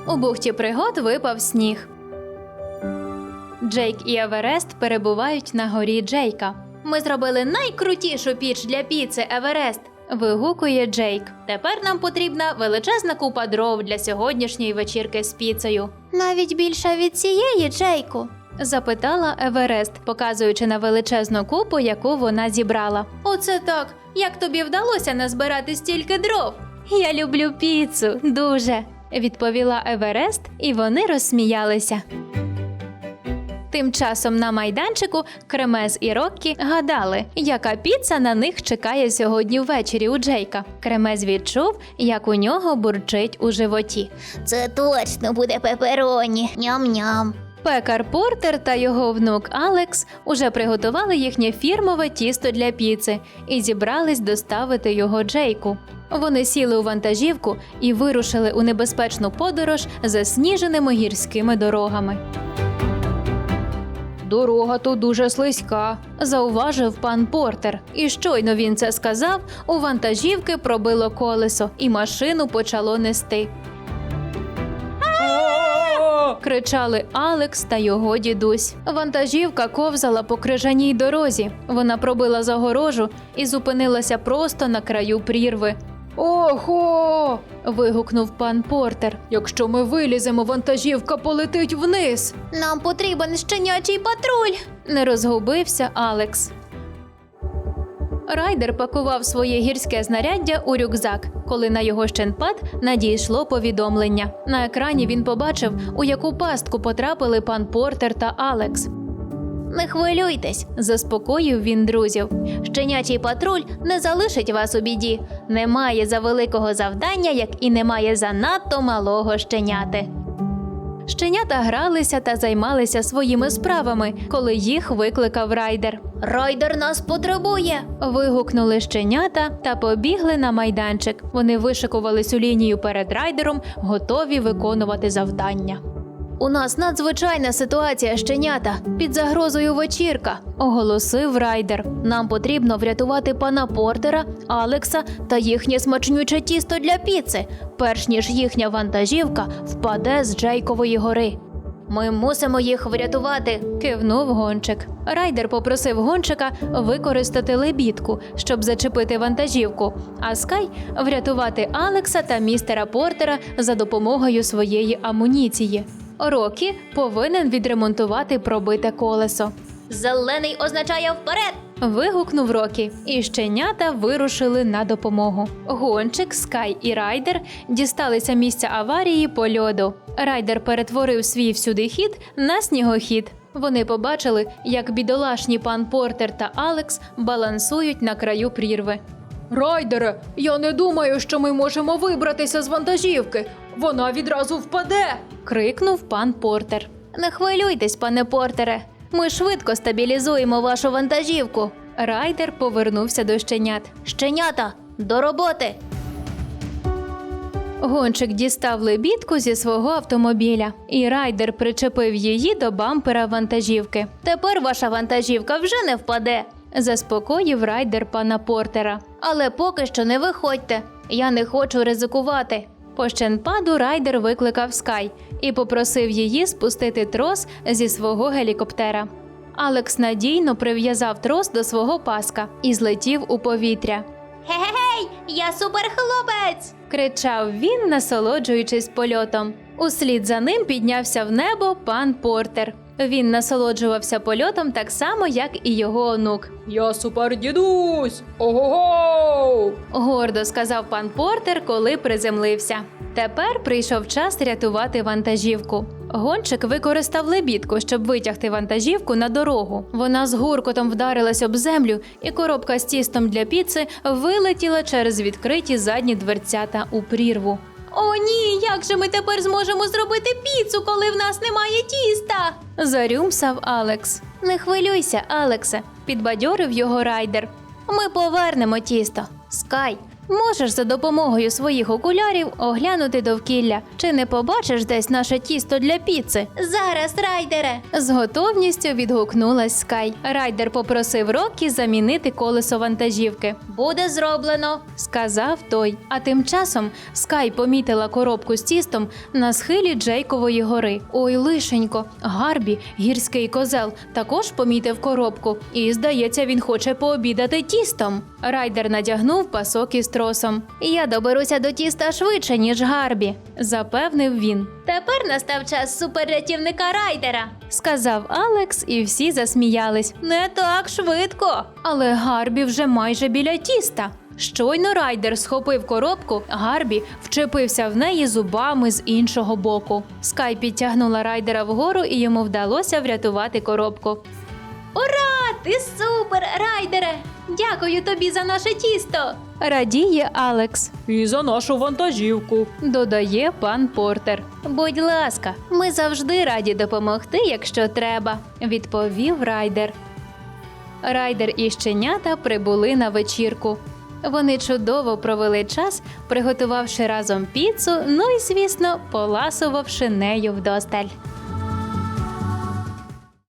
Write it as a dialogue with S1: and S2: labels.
S1: У бухті пригод випав сніг. Джейк і Еверест перебувають на горі Джейка. «Ми зробили найкрутішу піч для піци, Еверест!» – вигукує Джейк. «Тепер нам потрібна величезна купа дров для сьогоднішньої вечірки з піцею». «Навіть більша від цієї, Джейку?» – запитала Еверест, показуючи на величезну купу, яку вона зібрала. «Оце так! Як тобі вдалося назбирати стільки дров?» «Я люблю піцу, дуже!» – відповіла Еверест, і вони розсміялися. Тим часом на майданчику Кремез і Роккі гадали, яка піца на них чекає сьогодні ввечері у Джейка. Кремез відчув, як у нього бурчить у животі.
S2: Це точно буде пепероні. Ням-ням.
S1: Пекар Портер та його внук Алекс уже приготували їхнє фірмове тісто для піци і зібрались доставити його Джейку. Вони сіли у вантажівку і вирушили у небезпечну подорож засніженими гірськими дорогами. «Дорога тут дуже слизька», – зауважив пан Портер. І щойно він це сказав, у вантажівки пробило колесо, і машину почало нести. Кричали Алекс та його дідусь. Вантажівка ковзала по крижаній дорозі. Вона пробила загорожу і зупинилася просто на краю прірви. «Ого!» – вигукнув пан Портер. «Якщо ми виліземо, вантажівка полетить вниз!»
S2: Нам потрібен щенячий патруль.
S1: Не розгубився Алекс. Райдер пакував своє гірське знаряддя у рюкзак, коли на його щенпад надійшло повідомлення. На екрані він побачив, у яку пастку потрапили пан Портер та Алекс.
S2: Не хвилюйтесь,
S1: Заспокоїв він друзів.
S2: щенячий патруль не залишить вас у біді. Немає завеликого завдання, як і немає занадто малого щеняти.
S1: Щенята гралися та займалися своїми справами, коли їх викликав Райдер.
S2: Райдер нас потребує.
S1: Вигукнули щенята та побігли на майданчик. Вони вишикувались у лінію перед Райдером, готові виконувати завдання.
S2: У нас надзвичайна ситуація, щенята.
S1: «Під загрозою вечірка», – оголосив Райдер.
S2: Нам потрібно врятувати пана Портера, Алекса та їхнє смачнюче тісто для піци, перш ніж їхня вантажівка впаде з Джейкової гори. Ми мусимо їх врятувати.
S1: Кивнув гонщик. Райдер попросив гонщика використати лебідку, щоб зачепити вантажівку, а Скай – врятувати Алекса та містера Портера за допомогою своєї амуніції. Рокі повинен відремонтувати пробите колесо.
S2: Зелений означає вперед!
S1: Вигукнув Рокі, і щенята вирушили на допомогу. Гонщик, Скай і Райдер дісталися місця аварії по льоду. Райдер перетворив свій всюдихід на снігохід. Вони побачили, як бідолашні пан Портер та Алекс балансують на краю прірви. «Райдере, я не думаю, що ми можемо вибратися з вантажівки. Вона відразу впаде!» – крикнув пан Портер.
S2: Не хвилюйтесь, пане Портере. Ми швидко стабілізуємо вашу вантажівку.
S1: Райдер повернувся до щенят.
S2: Щенята, до роботи!
S1: Гонщик дістав лебідку зі свого автомобіля, і Райдер причепив її до бампера вантажівки.
S2: Тепер ваша вантажівка вже не впаде.
S1: Заспокоїв Райдер пана Портера.
S2: Але поки що не виходьте. Я не хочу ризикувати.
S1: По щенпаду Райдер викликав Скай і попросив її спустити трос зі свого гелікоптера. Алекс надійно прив'язав трос до свого паска і злетів у повітря.
S2: Гей, я суперхлопець!
S1: Кричав він, насолоджуючись польотом. Услід за ним піднявся в небо пан Портер. Він насолоджувався польотом так само, як і його онук. «Я супердідусь! Ого-го!» – гордо сказав пан Портер, коли приземлився. Тепер прийшов час рятувати вантажівку. Гонщик використав лебідку, щоб витягти вантажівку на дорогу. Вона з гуркотом вдарилась об землю, і коробка з тістом для піци вилетіла через відкриті задні дверцята у прірву.
S2: О ні, як же ми тепер зможемо зробити піцу, коли в нас немає тіста?
S1: Зарюмсав Алекс.
S2: Не хвилюйся, Алексе,
S1: підбадьорив його Райдер.
S2: Ми повернемо тісто. Скай, Можеш за допомогою своїх окулярів оглянути довкілля. Чи не побачиш десь наше тісто для піци?
S1: Зараз, райдере!
S2: З готовністю відгукнулась Скай. Райдер попросив Рокі замінити колесо вантажівки.
S1: Буде зроблено.
S2: Сказав той. А тим часом Скай помітила коробку з тістом на схилі Джейкової гори. Ой, лишенько, Гарбі, гірський козел, також помітив коробку. І, здається, він хоче пообідати тістом. Райдер надягнув пасок із тросом. «Я доберуся до тіста швидше, ніж Гарбі», – запевнив він.
S1: Тепер настав час суперрятівника райдера.
S2: Сказав Алекс, і всі засміялись.
S1: Не так швидко.
S2: Але Гарбі вже майже біля тіста. Щойно Райдер схопив коробку, Гарбі вчепився в неї зубами з іншого боку. Скай підтягнула Райдера вгору, і йому вдалося врятувати коробку.
S1: Ура! Ти супер, райдере! Дякую тобі за наше тісто.
S2: Радіє Алекс.
S3: І за нашу вантажівку.
S2: Додає пан Портер. Будь ласка, ми завжди раді допомогти, якщо треба, відповів Райдер. Райдер і щенята прибули на вечірку. Вони чудово провели час, приготувавши разом піцу, ну і, звісно, поласувавши нею вдосталь.